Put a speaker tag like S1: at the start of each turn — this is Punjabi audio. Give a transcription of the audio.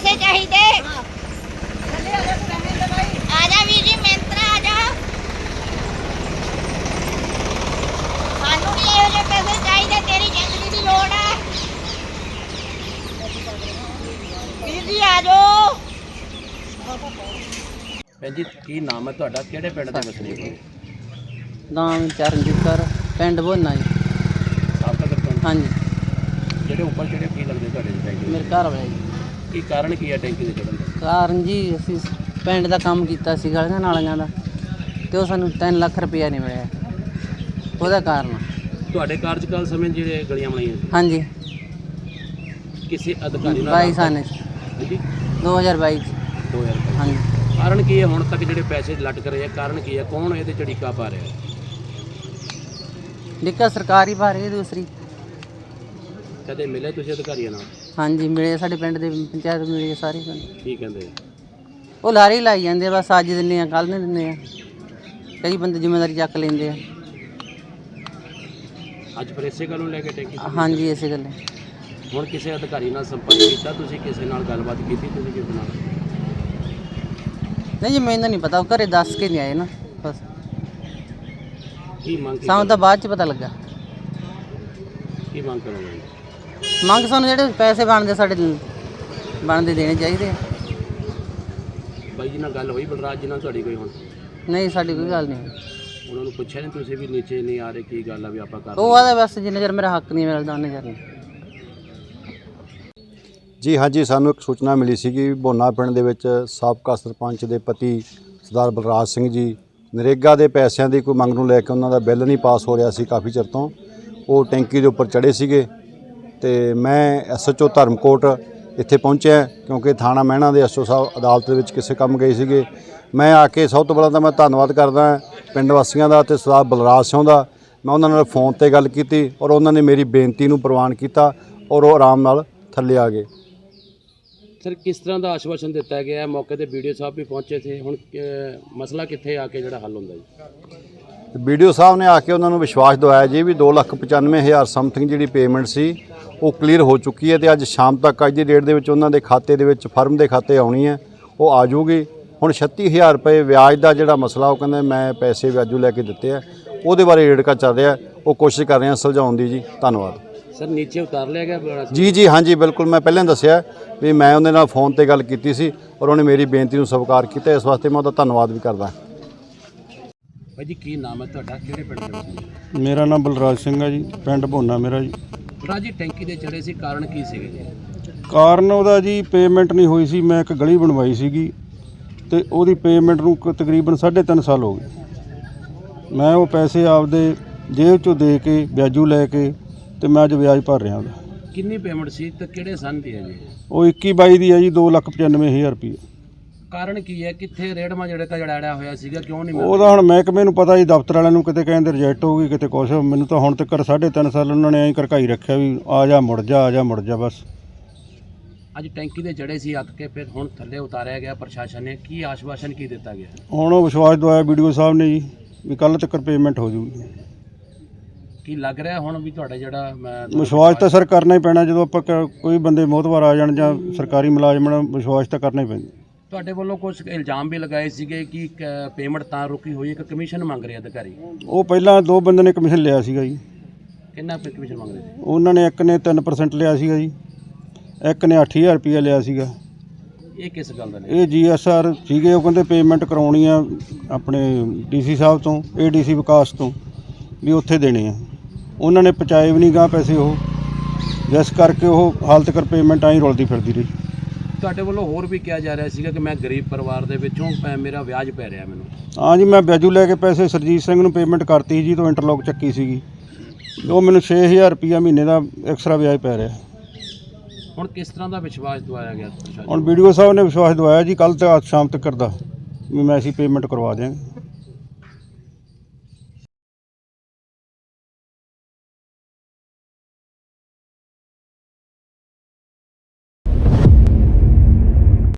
S1: पैसे चाहिए। आजा वीर जी मिंत्रा आजा, सानू भी इहो ਜਿਹੇ पैसे चाहिए, तेरी जिंदगी की लोड़ है। वीर जी आ जाओ।
S2: ਭੈਣ ਜੀ ਕੀ ਨਾਮ ਹੈ ਤੁਹਾਡਾ, ਕਿਹੜੇ ਪਿੰਡ ਦੇ ਵਸਨੀਕ ਹੋ?
S3: ਨਾਮ ਚਰਨਜੀਤ ਕੌਰ, ਪਿੰਡ ਭੋਨਾ ਜੀ।
S2: ਸਾਬਕਾ ਸਰਪੰਚ
S3: ਹਾਂਜੀ,
S2: ਜਿਹੜੇ ਉੱਪਰ ਜਿਹੜੇ ਕੀ ਲੱਗਦੇ ਤੁਹਾਡੇ ਦੀ ਟੈਂਕੀ
S3: ਮੇਰੇ ਘਰ ਵਾਲੇ ਜੀ।
S2: ਕੀ ਕਾਰਨ ਕੀ ਹੈ ਟੈਂਕੀ ਦੇ ਚੜ੍ਹਨ ਦਾ?
S3: ਕਾਰਨ ਜੀ ਅਸੀਂ ਪਿੰਡ ਦਾ ਕੰਮ ਕੀਤਾ ਸੀ ਗਲੀਆਂ ਨਾਲੀਆਂ ਦਾ, ਤੇ ਉਹ ਸਾਨੂੰ 3 ਲੱਖ ਰੁਪਇਆ ਨਹੀਂ ਮਿਲਿਆ, ਉਹਦਾ ਕਾਰਨ।
S2: ਤੁਹਾਡੇ ਕਾਰਜਕਾਲ ਸਮੇਂ ਜਿਹੜੇ ਗਲੀਆਂ ਬਣਾਈਆਂ ਸੀ,
S3: ਹਾਂਜੀ,
S2: ਕਿਸੇ ਅਧਿਕਾਰੀ ਨਾਲ
S3: 22 ਸਾਲ ਚ,
S2: ਜੀ
S3: 2022 ਚ।
S2: 2000
S3: ਹਾਂਜੀ,
S2: ਕਾਰਨ ਕੀ ਹੈ ਹੁਣ ਤੱਕ ਜਿਹੜੇ ਪੈਸੇ ਲਟਕ ਰਹੇ ਆ, ਕਾਰਨ ਕੀ ਹੈ, ਕੌਣ ਇਹਦੇ ਚੜੀਕਾ ਪਾ ਰਿਹਾ?
S3: ਦਿੱਕਤ ਸਰਕਾਰੀ ਭਾਰੇ ਦੂਸਰੀ।
S2: ਕਦੇ ਮਿਲੇ ਤੁਸੀਂ ਅਧਿਕਾਰੀਆਂ ਨਾਲ?
S3: ਹਾਂਜੀ ਮਿਲੇ, ਸਾਡੇ ਪਿੰਡ ਦੇ ਪੰਚਾਇਤ ਮਿਲੇ ਸਾਰੇ ਪਿੰਡ।
S2: ਕੀ ਕਹਿੰਦੇ?
S3: ਉਹ ਲਾਰੇ ਹੀ ਲਾਈ ਜਾਂਦੇ ਆ, ਬਸ ਅੱਜ ਦਿੰਦੇ ਆ ਕੱਲ੍ਹ ਨਹੀਂ ਦਿੰਦੇ ਆ, ਕਈ ਬੰਦੇ ਜ਼ਿੰਮੇਵਾਰੀ ਚੱਕ ਲੈਂਦੇ ਆ।
S2: ਅੱਜ ਫਿਰ ਇਸੇ ਗੱਲ ਨੂੰ ਲੈ ਕੇ ਟੈਂਕੀ
S3: ਹਾਂਜੀ ਇਸੇ ਗੱਲ।
S2: ਹੁਣ ਕਿਸੇ ਅਧਿਕਾਰੀ ਨਾਲ ਸੰਪਰਕ ਕੀਤਾ ਤੁਸੀਂ, ਕਿਸੇ ਨਾਲ ਗੱਲਬਾਤ ਕੀਤੀ ਤੁਸੀਂ ਕਿਸੇ ਨਾਲ?
S3: ਨਹੀਂ ਜੀ ਮੈਨੂੰ ਨਹੀਂ ਪਤਾ, ਉਹ ਘਰੇ ਦੱਸ ਕੇ ਨਹੀਂ ਆਏ ਨਾ, ਬਸ
S2: ਕੀ ਮੰਗ
S3: ਸਾਨੂੰ ਤਾਂ ਬਾਅਦ ਚ ਪਤਾ ਲੱਗਾ।
S2: ਕੀ ਮੰਗ ਕਰੋਗੇ?
S3: ਮੰਗ ਸਾਨੂੰ ਜਿਹੜੇ ਪੈਸੇ ਬਣਦੇ ਸਾਡੇ ਬਣਦੇ ਦੇਣੇ ਚਾਹੀਦੇ ਆ।
S2: ਬਾਈ ਜੀ ਨਾਲ ਗੱਲ ਹੋਈ ਬਲਰਾਜ ਜੀ ਨਾਲ ਤੁਹਾਡੀ ਕੋਈ ਹੁਣ?
S3: ਨਹੀਂ ਸਾਡੀ ਕੋਈ ਗੱਲ ਨਹੀਂ।
S2: ਉਹਨਾਂ ਨੂੰ ਪੁੱਛਿਆ ਨਹੀਂ ਤੁਸੀਂ ਵੀ ਨੀਚੇ ਨਹੀਂ ਆ ਰਹੇ, ਕੀ ਗੱਲ ਆ ਵੀ ਆਪਾਂ ਕਰ
S3: ਉਹ ਆਦਾ ਬਸ ਜਿੰਨੇ ਚਿਰ ਮੇਰਾ ਹੱਕ ਨਹੀਂ ਮਿਲਦਾ ਉਹਨੇ ਚਿਰ ਨਹੀਂ।
S4: ਜੀ ਹਾਂਜੀ, ਸਾਨੂੰ ਇੱਕ ਸੂਚਨਾ ਮਿਲੀ ਸੀ ਕਿ ਭੋਨਾ ਪਿੰਡ ਦੇ ਵਿੱਚ ਸਾਬਕਾ ਸਰਪੰਚ ਦੇ ਪਤੀ ਸਰਦਾਰ ਬਲਰਾਜ ਸਿੰਘ ਜੀ ਨਰੇਗਾ ਦੇ ਪੈਸਿਆਂ ਦੀ ਕੋਈ ਮੰਗ ਨੂੰ ਲੈ ਕੇ ਉਹਨਾਂ ਦਾ ਬਿੱਲ ਨਹੀਂ ਪਾਸ ਹੋ ਰਿਹਾ ਸੀ ਕਾਫੀ ਚਿਰ ਤੋਂ। ਉਹ ਟੈਂਕੀ ਦੇ ਉੱਪਰ ਚੜ੍ਹੇ ਸੀਗੇ ਤੇ ਮੈਂ ਐਸਐਚਓ ਧਰਮਕੋਟ ਇੱਥੇ ਪਹੁੰਚਿਆ ਕਿਉਂਕਿ ਥਾਣਾ ਮਹਿਣਾ ਦੇ ਐਸਓ ਸਾਹਿਬ ਅਦਾਲਤ ਦੇ ਵਿੱਚ ਕਿਸੇ ਕੰਮ ਗਏ ਸੀਗੇ। ਮੈਂ ਆ ਕੇ ਸਭ ਤੋਂ ਪਹਿਲਾਂ ਤਾਂ ਮੈਂ ਧੰਨਵਾਦ ਕਰਦਾ ਪਿੰਡ ਵਾਸੀਆਂ ਦਾ ਅਤੇ ਸਰਦਾਰ ਬਲਰਾਜ ਸਿੰਘ ਦਾ। ਮੈਂ ਉਹਨਾਂ ਨਾਲ ਫੋਨ ਤੇ ਗੱਲ ਕੀਤੀ ਔਰ ਉਹਨਾਂ ਨੇ ਮੇਰੀ ਬੇਨਤੀ ਨੂੰ ਪ੍ਰਵਾਨ ਕੀਤਾ ਔਰ ਉਹ ਆਰਾਮ ਨਾਲ ਥੱਲੇ ਆ ਗਏ।
S2: ਸਰ ਕਿਸ ਤਰ੍ਹਾਂ ਦਾ ਆਸ਼ਵਾਸਨ ਦਿੱਤਾ ਗਿਆ? ਮੌਕੇ ਤੇ ਵੀਡੀਓ ਸਾਹਿਬ ਵੀ ਪਹੁੰਚੇ ਥੇ, ਹੁਣ ਮਸਲਾ ਕਿੱਥੇ ਆ ਕੇ ਜਿਹੜਾ ਹੱਲ ਹੁੰਦਾ ਜੀ?
S4: ਵੀਡੀਓ ਸਾਹਿਬ ਨੇ ਆ ਕੇ ਉਹਨਾਂ ਨੂੰ ਵਿਸ਼ਵਾਸ ਦਿਵਾਇਆ ਜੀ ਵੀ 2,95,000 ਸਮਥਿੰਗ ਜਿਹੜੀ ਪੇਮੈਂਟ ਸੀ ਉਹ ਕਲੀਅਰ ਹੋ ਚੁੱਕੀ ਹੈ ਤੇ ਅੱਜ ਸ਼ਾਮ ਤੱਕ ਅੱਜ ਦੀ ਡੇਟ ਦੇ ਵਿੱਚ ਉਹਨਾਂ ਦੇ ਖਾਤੇ ਦੇ ਵਿੱਚ ਫਰਮ ਦੇ ਖਾਤੇ ਆਉਣੀ ਹੈ, ਉਹ ਆ ਜਾਊਗੀ। ਹੁਣ 36,000 ਰੁਪਏ ਵਿਆਜ ਦਾ ਜਿਹੜਾ ਮਸਲਾ, ਉਹ ਕਹਿੰਦੇ ਮੈਂ ਪੈਸੇ ਵਿਆਜੂ ਲੈ ਕੇ ਦਿੱਤੇ ਆ, ਉਹਦੇ ਬਾਰੇ ਰੇੜਕਾ ਚੱਲ ਰਿਹਾ, ਉਹ ਕੋਸ਼ਿਸ਼ ਕਰ ਰਹੇ ਹਾਂ ਸੁਲਝਾਉਣ ਦੀ ਜੀ। ਧੰਨਵਾਦ।
S2: ਸਰ ਨੀਚੇ ਉਤਾਰ ਲਿਆ ਗਿਆ?
S4: ਜੀ ਹਾਂਜੀ ਬਿਲਕੁਲ, ਮੈਂ ਪਹਿਲਾਂ ਦੱਸਿਆ ਵੀ ਮੈਂ ਉਹਦੇ ਨਾਲ ਫੋਨ ਤੇ ਗੱਲ ਕੀਤੀ ਸੀ ਔਰ ਉਹਨੇ ਮੇਰੀ ਬੇਨਤੀ ਨੂੰ ਸਵੀਕਾਰ ਕੀਤਾ, ਇਸ ਵਾਸਤੇ ਮੈਂ ਉਹਦਾ ਧੰਨਵਾਦ ਵੀ ਕਰਦਾ।
S2: ਭਾਈ ਜੀ ਕੀ ਨਾਮ ਹੈ ਤੁਹਾਡਾ, ਕਿਹੜੇ ਪਿੰਡ ਦੇ ਵਿੱਚ?
S5: ਮੇਰਾ ਨਾਮ ਬਲਰਾਜ ਸਿੰਘ ਹੈ ਜੀ, ਪਿੰਡ ਭੋਨਾ ਮੇਰਾ ਜੀ।
S2: ਬਲਰਾਜ ਜੀ ਟੈਂਕੀ ਦੇ ਚੜੇ ਸੀ, ਕਾਰਨ ਕੀ ਸੀਗੇ ਜੀ?
S5: ਕਾਰਨ ਉਹਦਾ ਜੀ ਪੇਮੈਂਟ ਨਹੀਂ ਹੋਈ ਸੀ। ਮੈਂ ਇੱਕ ਗਲੀ ਬਣਵਾਈ ਸੀਗੀ ਤੇ ਉਹਦੀ ਪੇਮੈਂਟ ਨੂੰ ਤਕਰੀਬਨ 3.5 ਸਾਲ ਹੋ ਗਏ। ਮੈਂ ਉਹ ਪੈਸੇ ਆਪਦੇ ਜੇਬ 'ਚੋਂ ਦੇ ਕੇ ਵਿਆਜੂ ਲੈ ਕੇ ਤੇ ਮੈਂ ਅੱਜ ਵਿਆਜ ਭਰ ਰਿਹਾ ਉਹਦਾ।
S2: ਕਿੰਨੀ ਪੇਮੈਂਟ ਸੀ ਤੇ ਕਿਹੜੇ ਸੰਨ ਦੀ ਹੈ ਜੀ?
S5: ਉਹ 21-22 ਦੀ ਹੈ ਜੀ, 2,95,000 ਰੁਪਏ।
S2: ਕਾਰਨ ਕੀ ਹੈ, ਕਿੱਥੇ ਰੇੜਮਾ ਜਿਹੜੇ ਤਾਂ ਜੜਾੜਿਆ ਹੋਇਆ ਸੀਗਾ, ਕਿਉਂ ਨਹੀਂ ਮਿਲ ਰਿਹਾ?
S5: ਉਹਦਾ ਹੁਣ ਮਹਿਕਮੇ ਨੂੰ ਪਤਾ ਜੀ, ਦਫ਼ਤਰ ਵਾਲਿਆਂ ਨੂੰ ਕਿਤੇ ਕਹਿੰਦੇ ਰਿਜੈਕਟ ਹੋ ਗਈ, ਕਿਤੇ ਕੁਛ। ਮੈਨੂੰ ਤਾਂ ਹੁਣ ਤੱਕ 3.5 ਸਾਲ ਉਹਨਾਂ ਨੇ ਐਂ ਘਰਕਾਈ ਰੱਖਿਆ ਵੀ ਆ ਜਾ ਮੁੜ ਜਾ, ਆ ਜਾ ਮੁੜ ਜਾ ਬਸ।
S2: ਅੱਜ ਟੈਂਕੀ ਦੇ ਚੜੇ ਸੀ ਅੱਕ ਕੇ, ਫਿਰ ਹੁਣ ਥੱਲੇ ਉਤਾਰਿਆ ਗਿਆ ਪ੍ਰਸ਼ਾਸਨ ਨੇ, ਕੀ ਆਸ਼ਵਾਸਨ ਕੀ ਦਿੱਤਾ ਗਿਆ?
S5: ਹੁਣ ਉਹ ਵਿਸ਼ਵਾਸ ਦਵਾਇਆ ਵੀਡੀਓ ਸਾਹਿਬ ਨੇ ਜੀ ਵੀ ਕੱਲ੍ਹ ਤੱਕ ਪੇਮੈਂਟ ਹੋ ਜੂਗੀ।
S2: ਕੀ ਲੱਗ ਰਿਹਾ ਹੁਣ ਵੀ ਤੁਹਾਡਾ ਜਿਹੜਾ
S5: ਵਿਸ਼ਵਾਸ ਤਾਂ ਸਰ ਕਰਨਾ ਹੀ ਪੈਣਾ, ਜਦੋਂ ਆਪਾਂ ਕੋਈ ਬੰਦੇ ਮੋਹਤਵਾਰ ਆ ਜਾਣ ਜਾਂ ਸਰਕਾਰੀ ਮੁਲਾਜ਼ਮ ਨਾਲ, ਵਿਸ਼ਵਾਸ ਤਾਂ ਕਰਨਾ ਹੀ ਪੈਂਦਾ।
S2: ਤੁਹਾਡੇ ਵੱਲੋਂ ਕੁਝ ਇਲਜ਼ਾਮ ਵੀ ਲਗਾਏ ਸੀਗੇ ਕਿ ਪੇਮੈਂਟ ਤਾਂ ਰੁਕੀ ਹੋਈ ਹੈ ਕਿ ਕਮਿਸ਼ਨ ਮੰਗ ਰਹੇ ਅਧਿਕਾਰੀ?
S5: ਉਹ ਪਹਿਲਾਂ 2 ਬੰਦੇ ਨੇ ਕਮਿਸ਼ਨ ਲਿਆ ਸੀਗਾ ਜੀ।
S2: ਕਿੰਨਾ ਕਮਿਸ਼ਨ ਮੰਗ ਰਹੇ ਸੀ?
S5: ਉਹਨਾਂ ਨੇ ਇੱਕ ਨੇ 3% ਲਿਆ ਸੀਗਾ ਜੀ, ਇੱਕ ਨੇ 8,000 ਰੁਪਇਆ ਲਿਆ ਸੀਗਾ।
S2: ਇਹ ਕਿਸ ਗੱਲ ਦਾ?
S5: ਇਹ GSR ਸੀਗੇ, ਉਹ ਕਹਿੰਦੇ ਪੇਮੈਂਟ ਕਰਾਉਣੀ ਆ ਆਪਣੇ DC ਸਾਹਿਬ ਤੋਂ, ADC ਵਿਕਾਸ ਤੋਂ, ਵੀ ਉੱਥੇ ਦੇਣੇ ਆ। ਉਹਨਾਂ ਨੇ ਪਹੁੰਚਾਏ ਵੀ ਨਹੀਂ ਗਾ ਪੈਸੇ ਉਹ, ਜਿਸ ਕਰਕੇ ਉਹ ਹਾਲ ਤੱਕ ਪੇਮੈਂਟ ਆਈ ਰੁਲਦੀ ਫਿਰਦੀ ਰਹੀ।
S2: ਤੁਹਾਡੇ ਵੱਲੋਂ ਹੋਰ ਵੀ ਕਿਹਾ ਜਾ ਰਿਹਾ ਸੀਗਾ ਕਿ ਮੈਂ ਗਰੀਬ ਪਰਿਵਾਰ ਦੇ ਵਿੱਚੋਂ ਮੇਰਾ ਵਿਆਜ ਪੈ ਰਿਹਾ ਮੈਨੂੰ?
S5: ਹਾਂ ਜੀ, ਮੈਂ ਵਿਆਜੂ ਲੈ ਕੇ ਪੈਸੇ ਸਰਜੀਤ ਸਿੰਘ ਨੂੰ ਪੇਮੈਂਟ ਕਰਤੀ ਜੀ, ਤੋਂ ਇੰਟਰਲੋਕ ਚੱਕੀ ਸੀਗੀ, ਉਹ ਮੈਨੂੰ 6,000 ਰੁਪਇਆ ਮਹੀਨੇ ਦਾ ਐਕਸਟਰਾ ਵਿਆਜ ਪੈ ਰਿਹਾ।
S2: ਹੁਣ ਕਿਸ ਤਰ੍ਹਾਂ ਦਾ ਵਿਸ਼ਵਾਸ ਦਵਾਇਆ ਗਿਆ ਪ੍ਰਸ਼ਾਸਨ?
S5: ਹੁਣ ਵੀਡੀਓ ਸਾਹਿਬ ਨੇ ਵਿਸ਼ਵਾਸ ਦਵਾਇਆ ਜੀ ਕੱਲ੍ਹ ਤੇ ਸ਼ਾਮ ਤੱਕ ਕਰਦਾ ਵੀ ਮੈਂ ਅਸੀਂ ਪੇਮੈਂਟ ਕਰਵਾ ਦਿਆਂਗੇ।